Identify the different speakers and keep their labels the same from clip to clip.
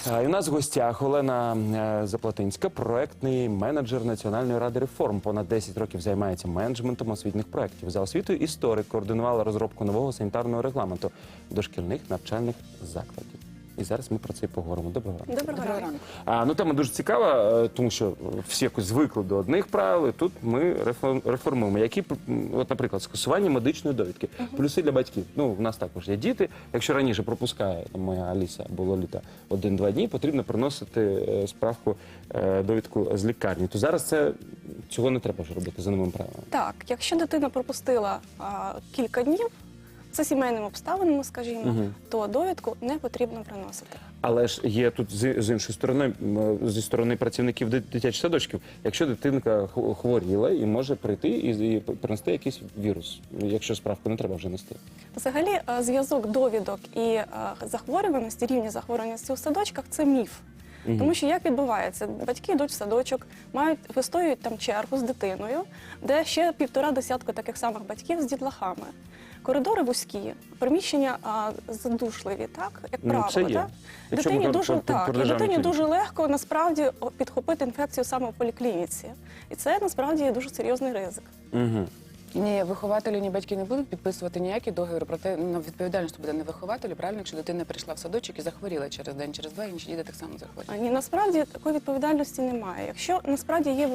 Speaker 1: І у нас в гостях Олена Заплатинська, проектний менеджер Національної ради реформ. Понад 10 років займається менеджментом освітніх проєктів. За освітою історик, координувала розробку нового санітарного регламенту дошкільних навчальних закладів. І зараз ми про це і поговоримо. Доброго ранку.
Speaker 2: Доброго ранку.
Speaker 1: Тема дуже цікава, тому що всі якось звикли до одних правил, і тут ми реформуємо. Які, от, наприклад, скасування медичної довідки. Плюси для батьків. Ну, в нас також є діти. Якщо раніше пропускає моя Аліса або Лоліта 1-2 дні, потрібно приносити справку, довідку з лікарні. То зараз цього не треба вже робити за новим правилами.
Speaker 2: Так, якщо дитина пропустила кілька днів, за сімейними обставинами, скажімо, то довідку не потрібно приносити.
Speaker 1: Але ж є тут з іншої сторони, зі сторони працівників дитячих садочків, якщо дитинка хворіла і може прийти і принести якийсь вірус, якщо справку не треба вже нести.
Speaker 2: Взагалі, зв'язок довідок і захворюваності, рівні захворюваності у садочках – це міф. Тому що як відбувається? Батьки йдуть в садочок, вистоюють там чергу з дитиною, де ще 1,5 десятка таких самих батьків з дітлахами. Коридори вузькі, приміщення задушливі, так, як правило.
Speaker 1: Це є.
Speaker 2: Дитині дуже легко, насправді, підхопити інфекцію саме в поліклініці. І це, насправді, є дуже серйозний ризик.
Speaker 3: Ні, вихователі, ні батьки не будуть підписувати ніякі договори, проте відповідальність буде не вихователю, правильно, якщо дитина прийшла в садочок і захворіла через день, через два, інші діти так само захворіли.
Speaker 2: Ні, насправді такої відповідальності немає. Якщо насправді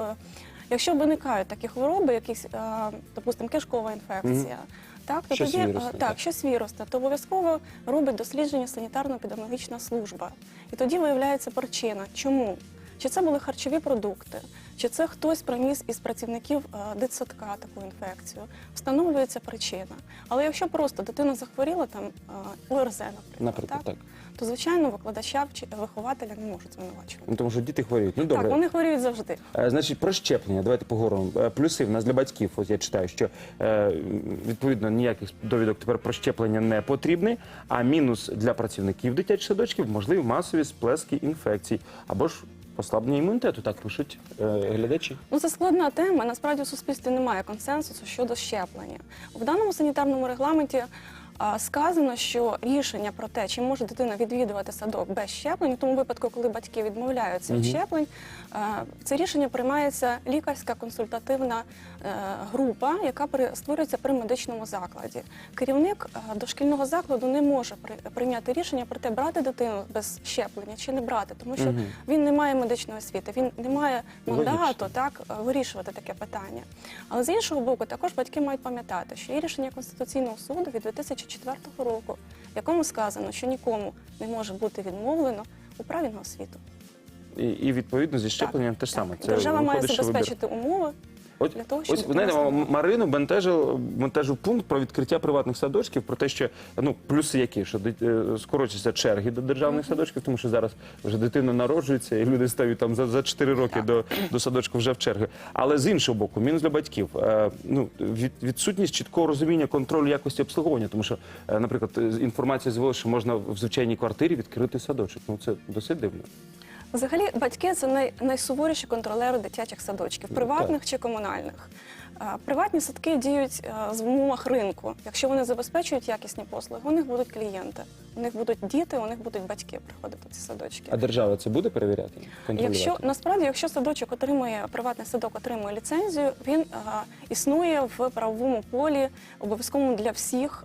Speaker 2: якщо виникають такі хвороби, якісь, допустимо, кишкова інфекція, так, то тоді щось вірусне, то обов'язково робить дослідження санітарно-епідеміологічна служба. І тоді виявляється причина. Чому? Чи це були харчові продукти, чи це хтось приніс із працівників дитсадка таку інфекцію. Встановлюється причина. Але якщо просто дитина захворіла, там ОРЗ, наприклад, так, то, звичайно, викладача чи вихователя не можуть звинувачувати.
Speaker 1: Ну, тому що діти хворіють. Ну, добре.
Speaker 2: Так, вони хворіють завжди.
Speaker 1: Значить, про щеплення. Давайте поговоримо. Плюси в нас для батьків. Ось я читаю, що, відповідно, ніяких довідок тепер про щеплення не потрібні, а мінус для працівників дитячих садочків – можливі масові сплески інфекцій або ж послаблення імунітету, так пишуть глядачі.
Speaker 2: Ну, це складна тема. Насправді, в суспільстві немає консенсусу щодо щеплення. В даному санітарному регламенті сказано, що рішення про те, чи може дитина відвідувати садок без щеплень, в тому випадку, коли батьки відмовляються від щеплень, це рішення приймається лікарська консультативна група, яка створюється при медичному закладі. Керівник дошкільного закладу не може прийняти рішення про те, брати дитину без щеплення чи не брати, тому що він не має медичної освіти, він не має мандату вирішувати таке питання. Але з іншого боку, також батьки мають пам'ятати, що є рішення Конституційного суду від 2004 року, в якому сказано, що нікому не може бути відмовлено у праві на освіту.
Speaker 1: І відповідно зі щепленням те ж саме.
Speaker 2: Держава має забезпечити умови.
Speaker 1: Ось Марину бентежив пункт про відкриття приватних садочків, про те, що, плюси які, що скорочуються черги до державних садочків, тому що зараз вже дитина народжується, і люди стають там за 4 роки до садочку вже в черги. Але з іншого боку, мінус для батьків, відсутність чіткого розуміння контролю якості обслуговування, тому що, наприклад, інформація з'явилася, що можна в звичайній квартирі відкрити садочок. Ну, це досить дивно.
Speaker 2: Взагалі, батьки – це найсуворіші контролери дитячих садочків, приватних чи комунальних. Приватні садки діють в умовах ринку. Якщо вони забезпечують якісні послуги, у них будуть клієнти, у них будуть діти, у них будуть батьки приходити в ці садочки.
Speaker 1: А держава це буде перевіряти, контролювати?
Speaker 2: Насправді, якщо садочок приватний садок отримує ліцензію, він існує в правовому полі, обов'язково для всіх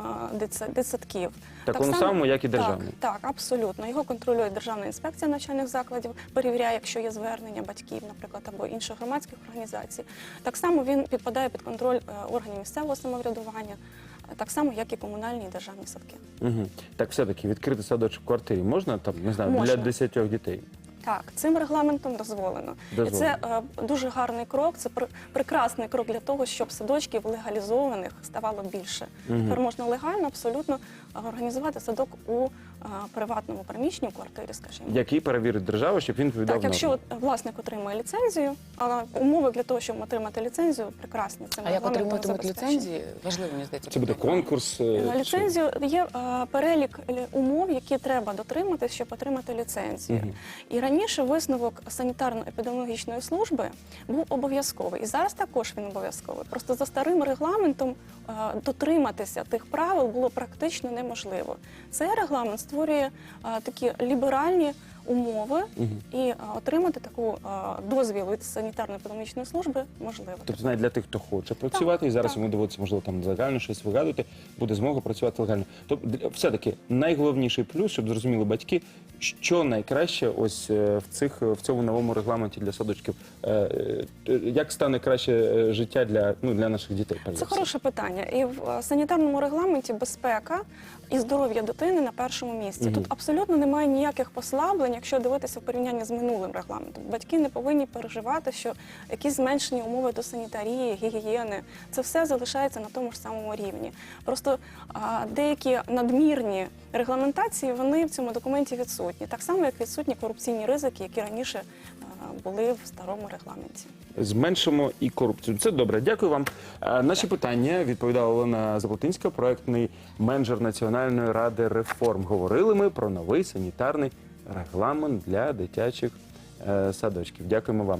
Speaker 2: дитсадків.
Speaker 1: Такому самому, як і державний?
Speaker 2: Так, абсолютно. Його контролює Державна інспекція навчальних закладів, перевіряє, якщо є звернення батьків, наприклад, або інших громадських організацій. Так само він підпадає під контроль органів місцевого самоврядування, так само, як і комунальні і державні садки.
Speaker 1: Так все-таки відкрити садочок в квартирі можна, там, не знаю, для 10 дітей?
Speaker 2: Так, цим регламентом дозволено. І це дуже гарний крок, це прекрасний крок для того, щоб садочків легалізованих ставало більше. Тепер можна легально абсолютно організувати садок у приватному приміщенні, у квартирі, скажімо.
Speaker 1: Який перевірить держава, щоб він відповідав нормам?
Speaker 2: Так, якщо власник отримує ліцензію, але умови для того, щоб отримати ліцензію, прекрасні.
Speaker 3: А як отримуватимуть ліцензії? Важливо, мені здається.
Speaker 1: Це буде конкурс?
Speaker 2: Ліцензію є перелік умов, які треба дотриматись, щоб отримати ліцензію. І раніше висновок санітарно-епідеміологічної служби був обов'язковий. І зараз також він обов'язковий. Просто за старим регламентом дотриматися тих правил було практично неможливо. Цей регламент створює такі ліберальні умови і отримати таку дозвіл від санітарно-епідемічної служби можливо.
Speaker 1: Тобто навіть для тих, хто хоче працювати, і зараз
Speaker 2: так.
Speaker 1: йому доводиться, можливо, там легально щось вигадувати, буде змога працювати легально. Тобто, все-таки найголовніший плюс, щоб зрозуміли батьки, що найкраще ось в цьому новому регламенті для садочків. Як стане краще життя для наших дітей? перш за
Speaker 2: Це
Speaker 1: все?
Speaker 2: хороше питання. І в санітарному регламенті безпека і здоров'я дитини на першому місці. Тут абсолютно немає ніяких послаблень, якщо дивитися в порівнянні з минулим регламентом. Батьки не повинні переживати, що якісь зменшені умови до санітарії, гігієни, це все залишається на тому ж самому рівні. Просто деякі надмірні регламентації, вони в цьому документі відсутні. Так само, як відсутні корупційні ризики, які раніше були в старому регламенті.
Speaker 1: Зменшимо і корупцію. Це добре. Дякую вам. Наші питання відповідала Олена Заплотинська, проектний менеджер Національної ради реформ. Говорили ми про новий санітарний регламент для дитячих садочків. Дякуємо вам.